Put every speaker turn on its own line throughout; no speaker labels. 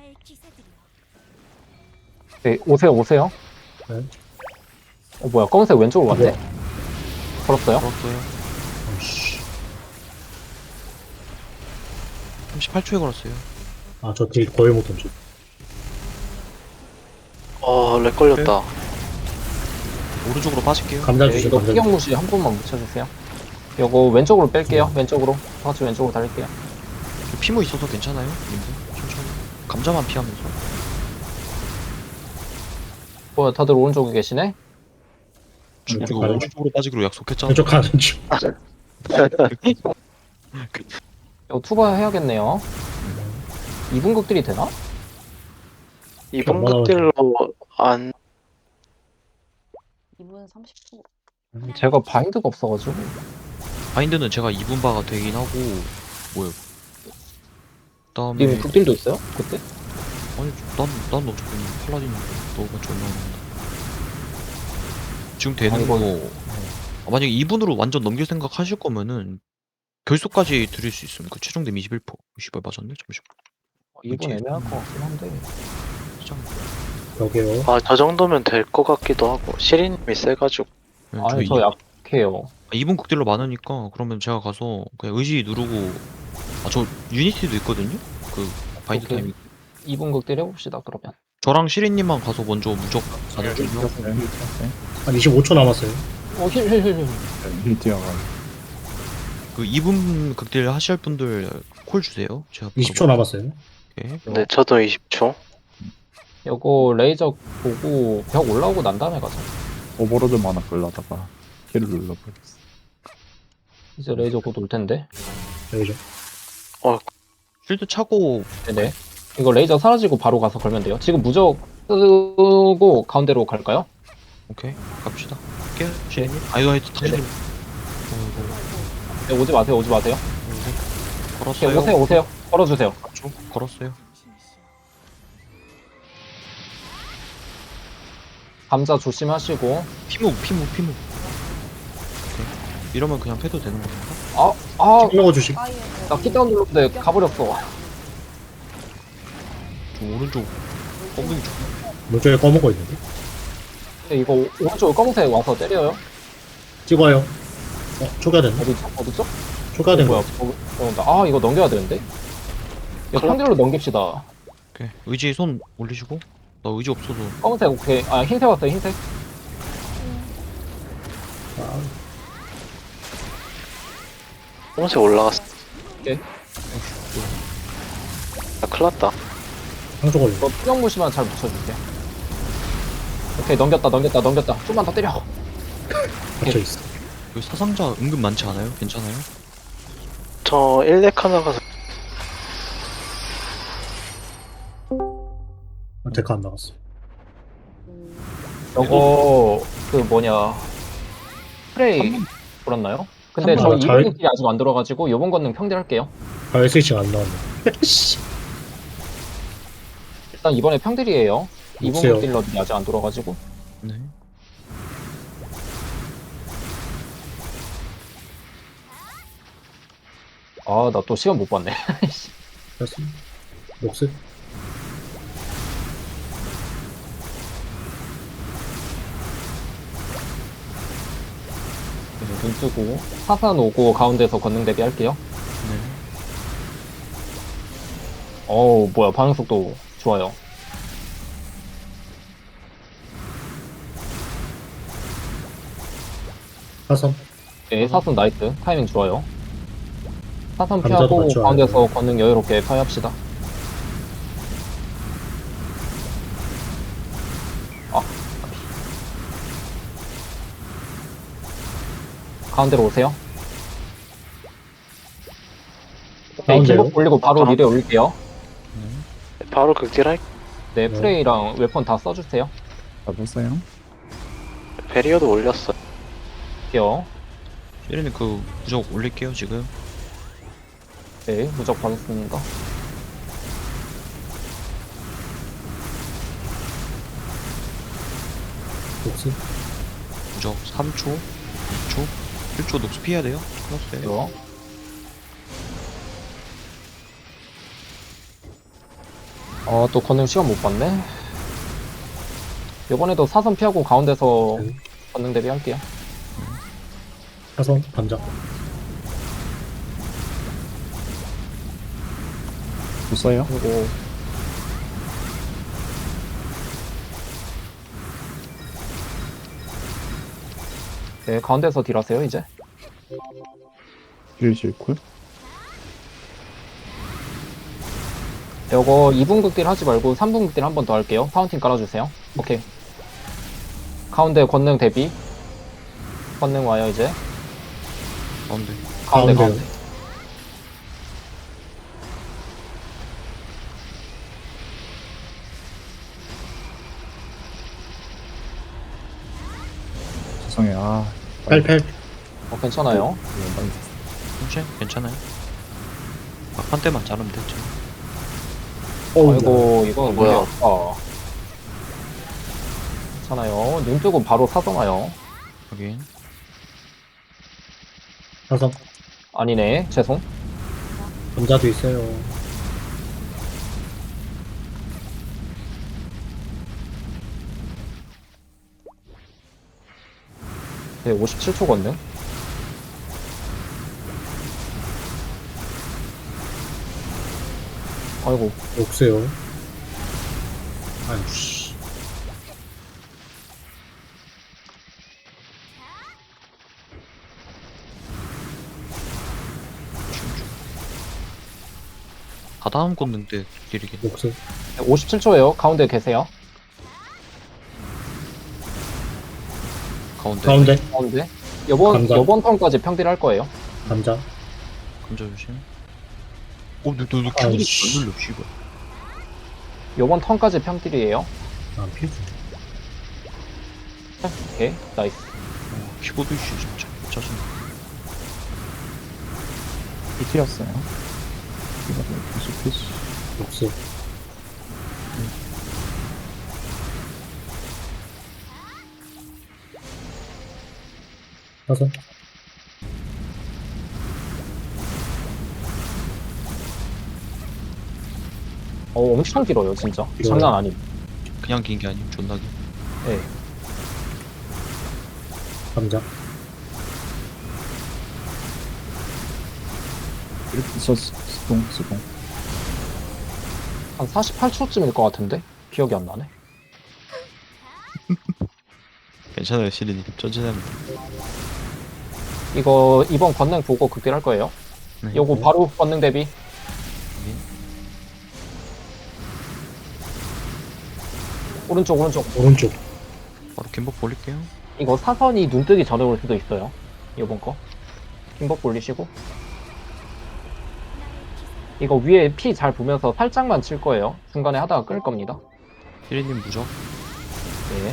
네, 오세요, 오세요.
네.
뭐야, 검은색 왼쪽으로 갔네?
뭐야?
걸었어요?
걸었어요.
아씨.
38초에 걸었어요.
아, 저 딜 거의 못 던져.
렉 걸렸다.
오른쪽으로 빠질게요.
감자
네,
주세요,
이거
감자.
피경무시 한 번만 묻혀주세요. 요거 왼쪽으로 뺄게요, 왼쪽으로. 다 같이 왼쪽으로 달릴게요.
저 피모 있어서 괜찮아요? 님들? 천천히. 감자만 피하면서.
뭐야, 다들 오른쪽에 계시네?
왼쪽
이거
가는 중.
오른쪽으로 빠지기로 약속했잖아.
왼쪽 가는 중.
이거 투바 해야겠네요. 2분 극딜이 되나?
이번
얼마나
것들로 안
2분 30초.
제가 바인드가 없어가지고.
바인드는 제가 2분 바가 되긴 하고 뭐예요? 그다음에
님 극딜도 있어요? 그때?
아니 난 어차피 팔라딘인데 너가 좀 나온다. 지금 되는
아니,
거
이거-
만약에 2분으로 완전 넘길 생각 하실 거면은 결속까지 드릴 수 있으면 그 최종 데미 21%. 20발 맞았네? 잠시만.
2분 애매할 것 같긴 한데.
시장.
여기요.
저 정도면 될 것 같기도 하고 시린님이 세가지고
네,
아니, 저 약해요.
2분 극딜로 많으니까 그러면 제가 가서 그냥 의지 누르고 저 유니티도 있거든요? 그 바인드
오케이.
타이밍
2분 극딜 해봅시다, 그러면.
저랑 시린님만 가서 먼저 무적 가는
네,
중이요.
한 25초 남았어요.
힐.
그 2분 극딜 하실 분들 콜 주세요. 제가
20초 남았어요.
남았게.
네 저도 20초.
요거 레이저 보고 벽 올라오고 난 다음에 가자.
오버로드만 하나 끌려다가 킬을 눌러버렸어.
이제 레이저 곧 올 텐데.
여기죠.
쉴드 차고
네네. 이거 레이저 사라지고 바로 가서 걸면 돼요. 지금 무적 쓰고 가운데로 갈까요?
오케이 갑시다. 할게요 시린님. 이거 당신님.
네, 오지 마세요, 오지 마세요. 오케이,
걸었어요.
오세요, 오세요. 걸어주세요.
걸었어요.
감자 조심하시고.
피무. 오케이. 이러면 그냥 패도 되는 건가?
쭉 먹어주시.
나 키다운 눌렀는데 가버렸어.
좀 오른쪽 엉덩이 좀.
왼쪽에 꺼먹고 있는데.
근데 이거 오른쪽 검은색 와서 때려요.
찍어요. 초기화 됐나?
어디죠?
초기화 된
뭐야?
거야.
이거 넘겨야 되는데. 이거 평딜로 넘깁시다.
오케이 의지 손 올리시고. 나 의지 없어서.
검은색 오케이. 흰색 왔어요, 흰색.
홍색 올라갔어.
오케이.
큰일났다.
상조 걸려.
이거 투명무시만 잘 붙여줄게요. 오케이, 넘겼다. 좀만 더 때려.
갇혀있어.
여기 사상자 은근 많지 않아요? 괜찮아요?
저 1렉 하나 가서
데카 안 나갔어.
저거 그 뭐냐 프레이 돌았나요? 근데
한
저
번 잘-
이분들이 아직 안 들어가지고 요번 건능 평딜할게요.
가열 스위칭 안 나왔네. 씨.
일단 이번에 평딜이에요. 이분
없어요.
극딜러들이 아직 안 들어가지고.
네.
나 또 시간 못 봤네.
됐어. 녹스.
눈 뜨고 사산 오고 가운데서 건능 대비할게요.
네.
뭐야 반응 속도 좋아요.
사선.
네, 사선 나이스. 타이밍 좋아요. 사선
감자도
피하고
맞죠?
가운데서 건능 여유롭게 파이합시다. 가운데로 오세요. 네,
가운데요?
기복 올리고 바로 미래 올릴게요.
바로 극딜할
네, 프레이랑 웨폰 다 써주세요.
잡았어요?
베리어도 올렸어.
할게요.
시린님 그 무적 올릴게요 지금.
네, 무적 받았습니다.
녹스.
무적 3초, 2초, 1초 녹스 피해야 돼요. 클났어요.
이거. 또 권능 시간 못 봤네. 이번에도 사선 피하고 가운데서
네.
권능 대비할게요.
사선 감자.
못 써요?
그리고 네, 가운데서 딜하세요 이제.
힐 실쿨?
이거 2분 극딜 하지 말고 3분 극딜 한 번 더 할게요. 파운틴 깔아주세요. 오케이. 가운데 권능 대비. 권능 와요 이제.
가운데.
가운데
가운데요.
가운데.
죄송해요.
팔팔.
괜찮아요.
괜찮아요? 괜찮아요? 막판 때만 자르면 됐죠.
아이고 이건
뭐야.
뭐야? 괜찮아요. 눈 뜨고 바로 사선 와요.
여긴.
사선.
아니네. 죄송.
감자도 있어요.
네, 57초 권능. 아이고
없어요. 아유 씨.
다 다음 꽂는 때 딜이긴.
녹스.
57초예요. 가운데 계세요.
가운데.
가운데.
가운데.
감자.
요번 턴까지 평딜 할 거예요.
감자.
감자 조심. 너 키보드 안
아이씨.
눌러, 씨발.
요번 턴까지 평딜이에요.
안 피우지.
오케이. 나이스.
키보드 이슈 진짜. 짜증나.
힐이었어요. 이거 계속 피시.
녹스. 사선.
엄청 길어요, 진짜.
길어요.
장난 아님.
그냥 긴 게 아니고 존나 긴.
네.
감자.
이렇게 수동.
한 48초쯤일 것 같은데? 기억이 안 나네.
괜찮아요, 시린이. 천천히 합니다.
이거 이번 권능 보고 극딜 할 거예요.
네.
요거 바로 권능 대비. 오른쪽.
오른쪽.
바로 김복 볼릴게요.
이거 사선이 눈 뜨기 전에 올 수도 있어요. 요번 거. 김법 올리시고. 이거 위에 피 잘 보면서 살짝만 칠 거예요. 중간에 하다가 끌 겁니다.
시린님 무적.
네.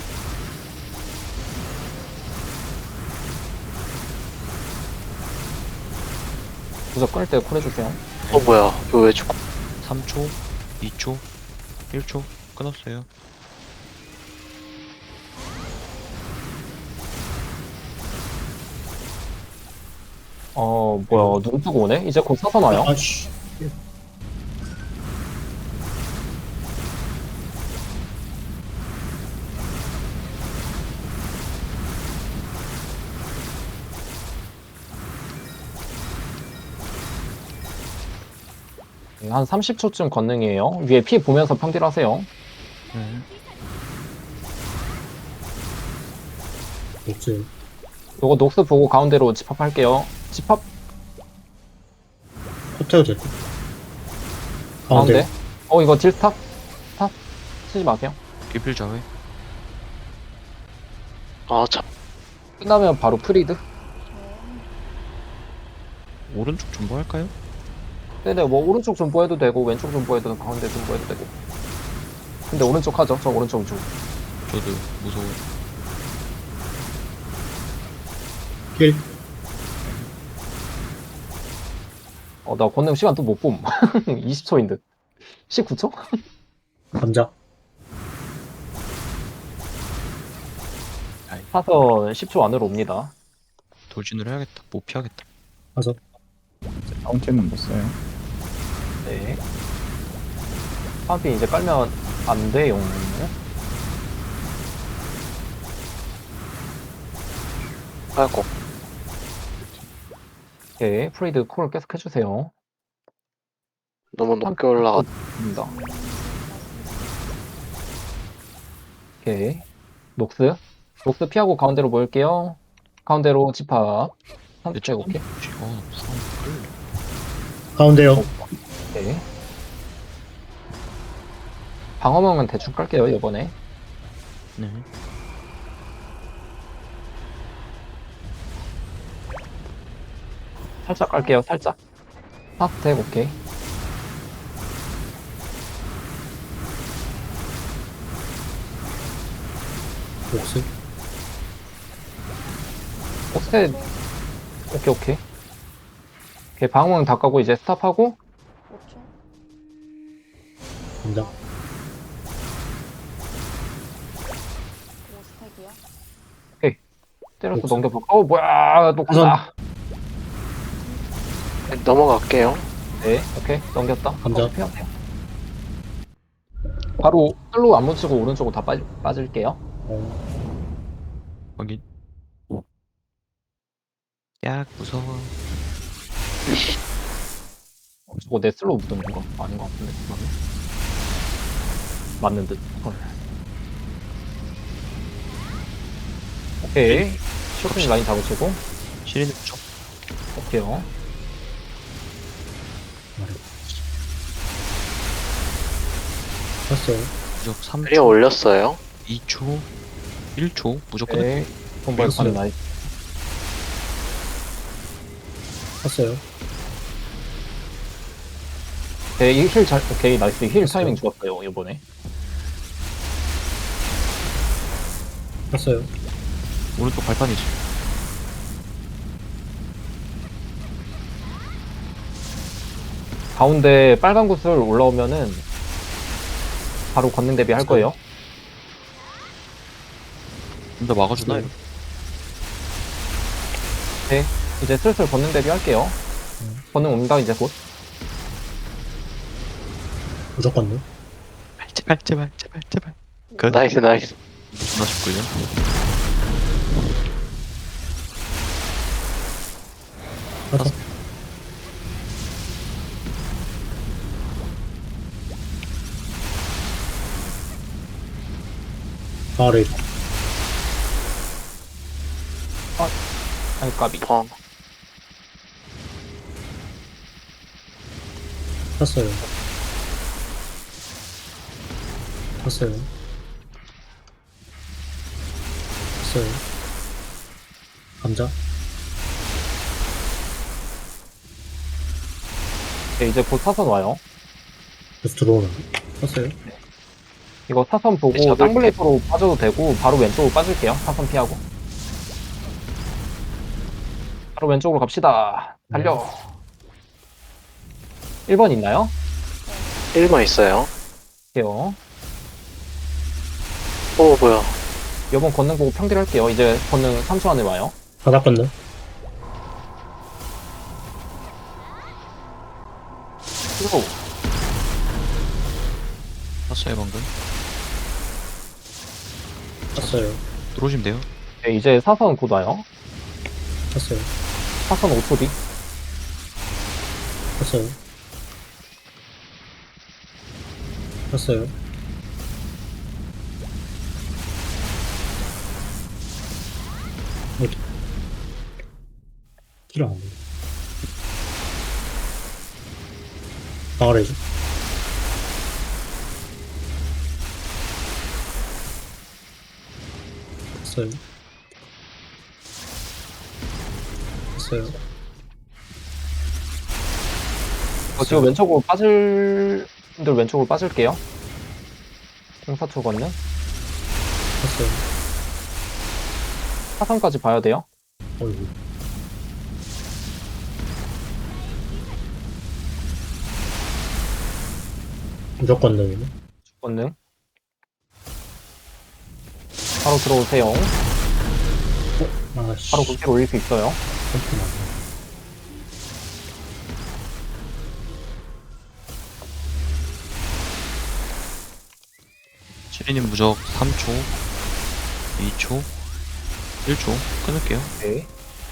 무적 끌 때 콜해주세요.
뭐야. 이거 왜 죽어?
3초, 2초, 1초. 끊었어요.
뭐야. 눈 뜨고 오네? 이제 곧 사선 와요.
아씨.
한 30초쯤 권능이에요. 위에 피 보면서 평딜 하세요.
네.
녹스.
요거 녹스 보고 가운데로 집합할게요. 집합
호텔 될 거.
가운데.
가운데.
이거 딜 스탑? 스탑? 치지 마세요.
기필 자회.
아, 참.
끝나면 바로 프리드.
오른쪽 존버 할까요?
네네, 뭐 오른쪽 존버해도 되고 왼쪽 존버해도 되고 가운데 존버해도 되고. 근데 오른쪽 하죠. 저 오른쪽 중.
저도 무서워요.
힐.
나 권능 시간 또 못 봄. 20초인 듯. 19초?
감자.
사선 10초 안으로 옵니다.
돌진을 해야겠다. 못 피하겠다.
사선.
파운틴은 못 써요.
네. 파운틴 이제 깔면 안 돼요.
아이고.
오케이. 프레이드 콜 계속 해주세요.
너무 높게 올라갔.
입니다. 오케이. 녹스. 녹스 피하고 가운데로 모일게요. 가운데로 집합.
근데
산스택 오케이.
불안 끌려.
가운데요.
오케이. 방어망은 대충 깔게요, 이번에.
네.
살짝 깔게요, 살짝. 산스택 오케이.
녹스.
옥셋. 오케이, 오케이. 오케이, 방어망 다 까고 이제 스탑하고.
5초.
감자.
5스택이요.
때려서
녹스.
넘겨볼까? 뭐야, 녹스다.
넘어갈게요.
네, 오케이. 넘겼다.
감자.
피하세요 바로 슬로우 안 묻히고 오른쪽으로 다 빠질게요.
확인. 약 무서워.
저거 내 슬로우 묻는 건가? 아닌 것 같은데. 그러면. 맞는 듯. 헐. 오케이. 쇼핑 라인 잡으시고.
시리는 쪽.
오케이요.
탔어요.
무적 3초.
리에 올렸어요.
2초. 1초. 무조건.
오케이. 손발
됐어요.
가는 라인.
탔어요.
오케이. 힐 잘, 오케이. 나이스. 힐 타이밍 좋았어요, 이번에.
탔어요.
오른쪽 발판이지.
가운데 빨간 구슬 올라오면은 바로 권능 대비 할 거예요.
좀 더 막아주나요?
네. 이제 슬슬 권능 대비 할게요. 권능 옵니다, 이제 곧.
무조건 네.
제발 제발 제발 제발. 그
나이스 나이스.
존나 쉽걸요?
탔어. 아래.
아니, 까비.
펑.
탔어요. 탔어요. 탔어요. 감자.
네, 이제 곧 사선 와요.
계속 들어오는데. 탔어요.
이거 사선 보고
잡을게.
쌍블레이프로 빠져도 되고 바로 왼쪽으로 빠질게요. 사선 피하고. 바로 왼쪽으로 갑시다. 달려. 1번 있나요?
1번 있어요.
할게요.
오 뭐야.
이번 권능 보고 평딜 할게요. 이제 권능 3초 안에 와요.
바닥 건너.
슬로우.
탔어요 방금.
탔어요.
들어오시면 돼요.
네, 이제 사선 곧 와요.
탔어요.
사선 5초 뒤.
탔어요. 탔어요. 어디? 길을 안 보여. 아래죠. 탔어요. 탔어요.
지금 왼쪽으로 빠질 분들 왼쪽으로 빠질게요. 공사초 권능.
탔어요.
사선까지 봐야 돼요.
어이구. 무조건 능이네.
권능. 바로 들어오세요.
아씨.
바로 국기로 올릴 수 있어요.
깜짝 놀랐네.
시리님 무적 3초, 2초, 1초 끊을게요.
네.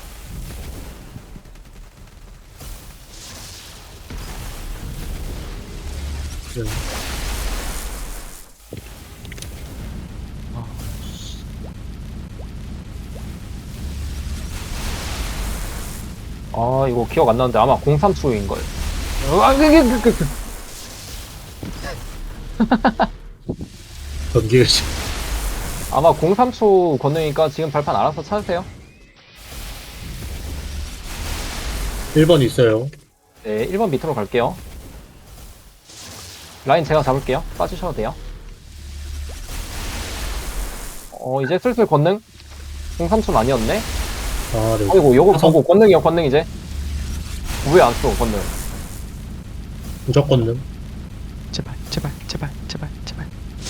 네.
아, 이거 기억 안 나는데 아마 03초인 걸.
전기가 지
아마 03초 권능이니까 지금 발판 알아서 찾으세요.
1번 있어요.
네, 1번 밑으로 갈게요. 라인 제가 잡을게요. 빠지셔도 돼요. 이제 슬슬 권능? 03초 아니었네?
아, 네.
아이고, 요거
사선.
보고 권능이요, 권능 이제. 왜 안 써, 권능?
무적 권능.
제발, 제발, 제발, 제발, 제발.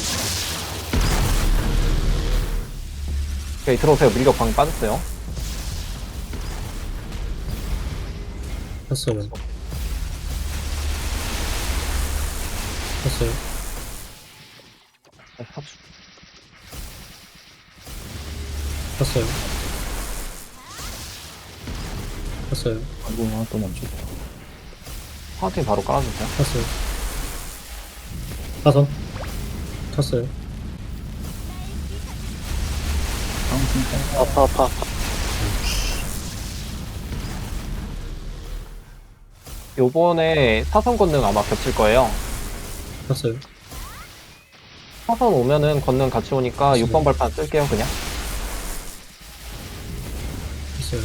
오케이, 들어오세요. 밀격 방금 빠졌어요.
탔어요. 탔어요.
합수.
탔어요. 탔어요.
아이고, 하나 또 멈췄다.
파운틴 바로 깔아주세요.
탔어요. 사선. 탔어요.
아파 아파 아파.
요번에 사선 권능 아마 겹칠 거예요.
탔어요.
사선 오면은 권능 같이 오니까
맞습니다.
6번 발판 쓸게요, 그냥.
탔어요.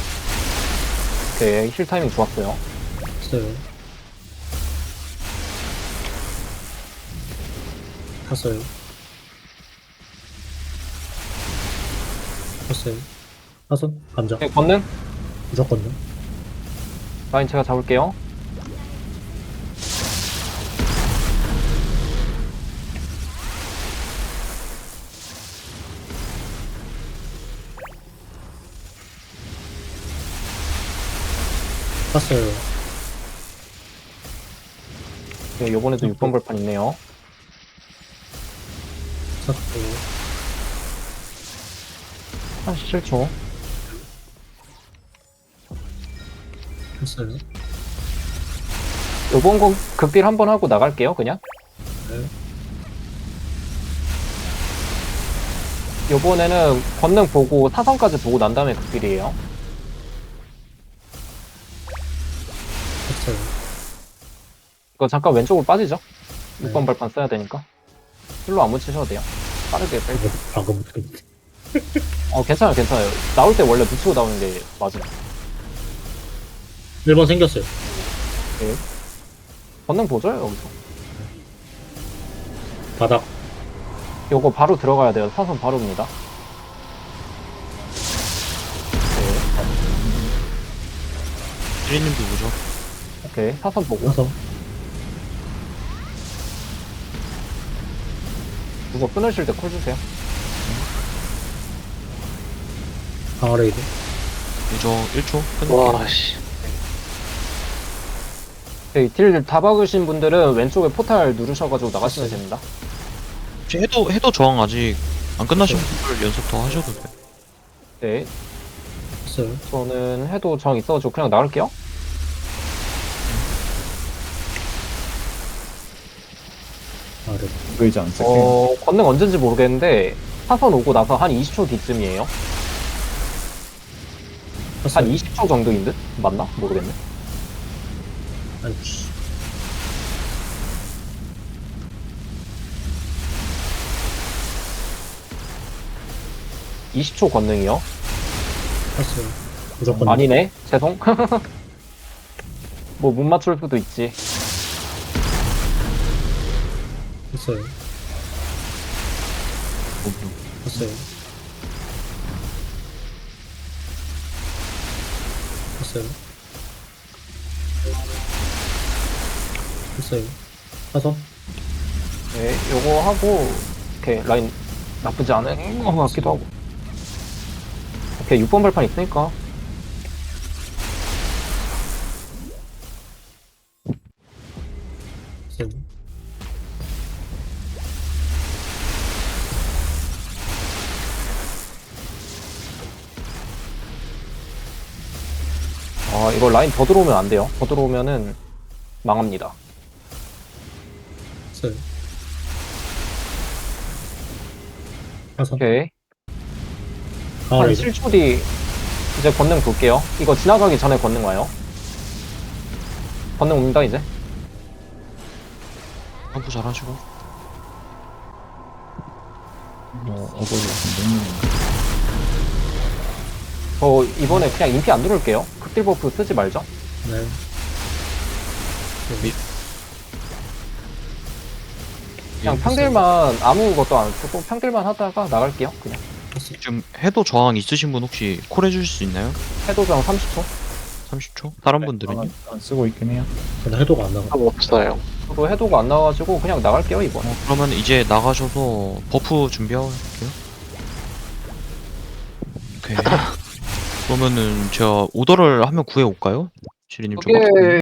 오케이, 힐 타이밍 좋았어요.
탔어요. 탔어요. 탔어요. 사선. 감자.
오케이, 권능?
무적 권능.
라인 제가 잡을게요.
탔어요.
네, 요번에도 6번 발판 있네요.
탔어요.
37초.
탔어요.
요번 거 극딜 한번 하고 나갈게요, 그냥.
네.
요번에는 권능 보고 사선까지 보고 난 다음에 극딜이에요.
탔어요.
이거 잠깐 왼쪽으로 빠지죠?
네.
6번 발판 써야 되니까. 힐로 안 묻히셔도 돼요. 빠르게 뺄게요.
방금 못했는데.
괜찮아요, 괜찮아요. 나올 때 원래 묻히고 나오는 게 맞아요.
1번 생겼어요.
권능 보죠, 여기서.
바닥.
요거 바로 들어가야 돼요. 사선 바로입니다. 네,
시리님도 무적.
오케이. 사선 보고.
사선.
누가 끊으실 때 콜 주세요.
강화레이드.
무적 1초 끊을게요.
와 씨.
네, 딜다 박으신 분들은 왼쪽에 포탈 누르셔가지고 나가시면 됩니다.
혹시 해도 저항 아직 안 끝나신 분들 연습 더 하셔도 돼요.
네,
탔어요.
저는 해도 정 있어가지고 그냥 나갈게요.
아래.
의지 안 쓸게요.
권능 언젠지 모르겠는데 사선 오고 나서 한 20초 뒤쯤이에요. 한
탔어요.
20초 정도인 듯? 맞나? 모르겠네.
아이고, 씨.
이 20초 권능이요.
탔어요. 무조건.
아니네. 죄송. 뭐 못 맞출 수도 있지.
탔어요. 탔어요. 탔어요. 탔어요. 사선.
네, 요거 하고 오케이 라인 나쁘지 않은 것 같기도 하고. 오케이 6번 발판 있으니까.
탔어요.
이거 라인 더 들어오면 안 돼요. 더 들어오면은 망합니다.
했어요. 가서.
오케이.
아,
한
네.
7초 뒤 이제 권능 볼게요. 이거 지나가기 전에 권능 와요. 권능 옵니다, 이제.
점프 잘하시고.
어거지 같은데.
저 이번에 그냥 인피 안 누를게요. 극딜 버프 쓰지 말죠.
네.
그냥 평딜만 아무것도 안 쓰고 평딜만 하다가 나갈게요. 그냥.
했어요.
지금 해도 저항 있으신 분 혹시 콜 해주실 수 있나요?
해도장 30초.
30초? 다른 분들은요?
안 쓰고 있긴 해요.
근데 해도가 안 나가.
없어요.
저도 해도가 안 나와가지고 그냥 나갈게요, 이번.
그러면 이제 나가셔서 버프 준비할게요. 오케이. 그러면은 제가 오더를 한번 구해올까요? 시리님 저거?
그게